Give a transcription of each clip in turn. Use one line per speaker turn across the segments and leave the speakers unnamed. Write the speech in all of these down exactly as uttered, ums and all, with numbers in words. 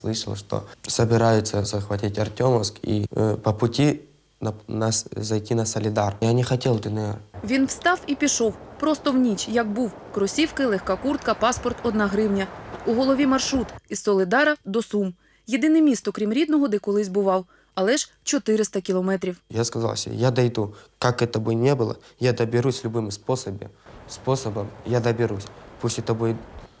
Слышал, что собираются захватить Артемовск и э, по пути на, нас зайти на Солидар. Я не хотел в ДНР.
Він встав і пішов. Просто в ніч, як був. Кросівки, легка куртка, паспорт – одна гривня. У голові маршрут – із Солидара до Сум. Єдине місто, крім рідного, де колись бував. Але ж чотириста кілометрів.
Я сказал себе, я дойду. Как это бы ни было, я доберусь любым способом. Способом я доберусь. Пусть это будет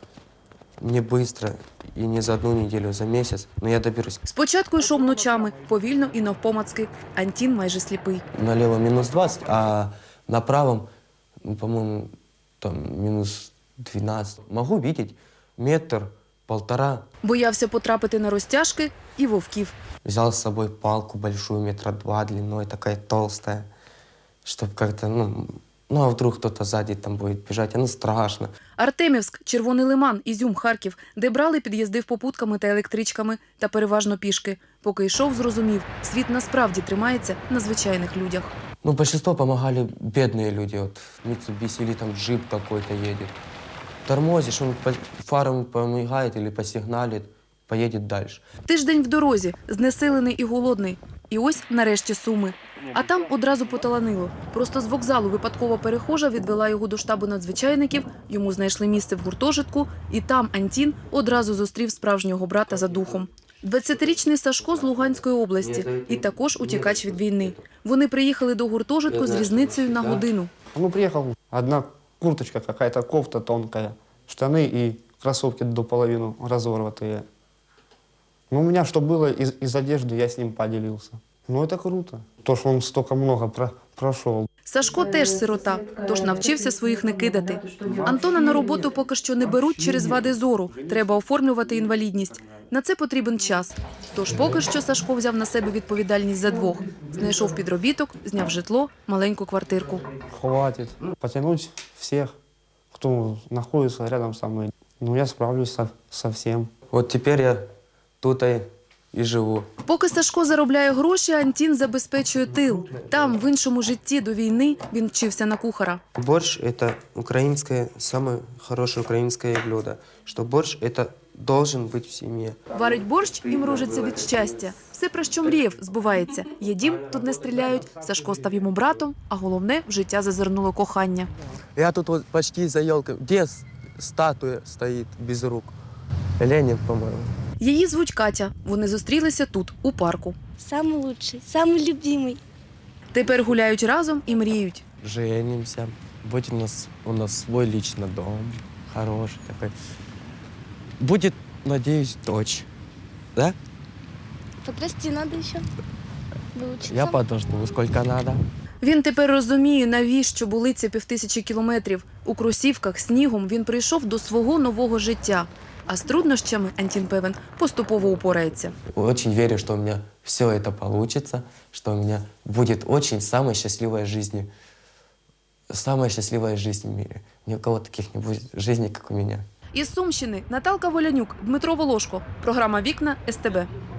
не быстро и не за одну неделю, за месяц, но я доберусь.
Спочатку йшов ночами, повільно і навпомацки. Антін майже сліпий.
Налево минус двадцать, а на правом, ну, по-моему, там минус двенадцать. Могу видеть метр, полтора.
Боявся потрапити на розтяжки і вовків.
Взял с собой палку большую, метра два длиной, такая толстая, чтобы как-то, ну, ну, а вдруг кто-то сзади там будет бежать, ну, страшно.
Артемівськ, Червоний Лиман, Ізюм, Харків, де брали, під'їздив попутками та електричками, та переважно пішки. Поки йшов, зрозумів, світ насправді тримається на звичайних людях.
Ну, большинство помогали бедные люди, вот, Mitsubishi или там джип какой-то едет. Тормозишь, он по фарам помигает или посигналит, поедет дальше.
Тиждень в дорозі, знесилений і голодний. І ось нарешті Суми. А там одразу поталанило. Просто з вокзалу випадкова перехожа відвела його до штабу надзвичайників, йому знайшли місце в гуртожитку, і там Антін одразу зустрів справжнього брата за духом. двадцятирічний Сашко з Луганської області і також утікач від війни. Вони приїхали до гуртожитку з різницею на годину.
Ну, приехал, одна курточка, какая-то кофта тонкая, штаны и кроссовки до половины разорватые. Ну, у меня что было из, из одежды, я с ним поделился. Ну, это круто. То, что он столько много про, прошел.
Сашко теж сирота, тож навчився своїх не кидати. Антона на роботу поки що не беруть через вади зору. Треба оформлювати інвалідність. На це потрібен час. Тож поки що Сашко взяв на себе відповідальність за двох. Знайшов підробіток, зняв житло, маленьку квартирку.
Хватит потянуть всех, кто находится рядом со мной. Ну, я справлюсь со, со всем.
Вот теперь я тут и, и живу.
Поки Сашко заробляє гроші, Антін забезпечує тил. Там, в іншому житті до війни, він вчився на кухара.
Борщ – это украинское, самое хорошее украинское блюдо. Что борщ – это должен быть в семье.
Варить борщ і мружиться від щастя. Все, про що мріяв, збувається. Є дім, тут не стріляють, Сашко став йому братом, а головне – в життя зазирнуло кохання.
Я тут вот почти за елкой. Где с- статуя стоит без рук? Ленин, по-моему.
Її звуть Катя. Вони зустрілися тут, у парку.
Самый лучший, самый любимый.
Тепер гуляють разом і мріють.
Женимся. Будет у нас, у нас свой личный дом. Хороший такой. Будет, надеюсь, дочь. Да?
Подрасти надо еще. Выучиться.
Я подожду, сколько надо.
Він тепер розуміє, навіщо були ці півтисячі кілометрів. У кросівках, снігом він прийшов до свого нового життя. А з труднощами, Антін певен, поступово упорається.
Очень верю, что у меня все это получится, что у меня будет очень самая счастливая жизнь. Самая счастливая жизнь в мире. Ни у кого таких не будет жизни, как у меня.
Із Сумщини Наталка Волянюк, Дмитро Волошко. Програма «Вікна» ес те бе.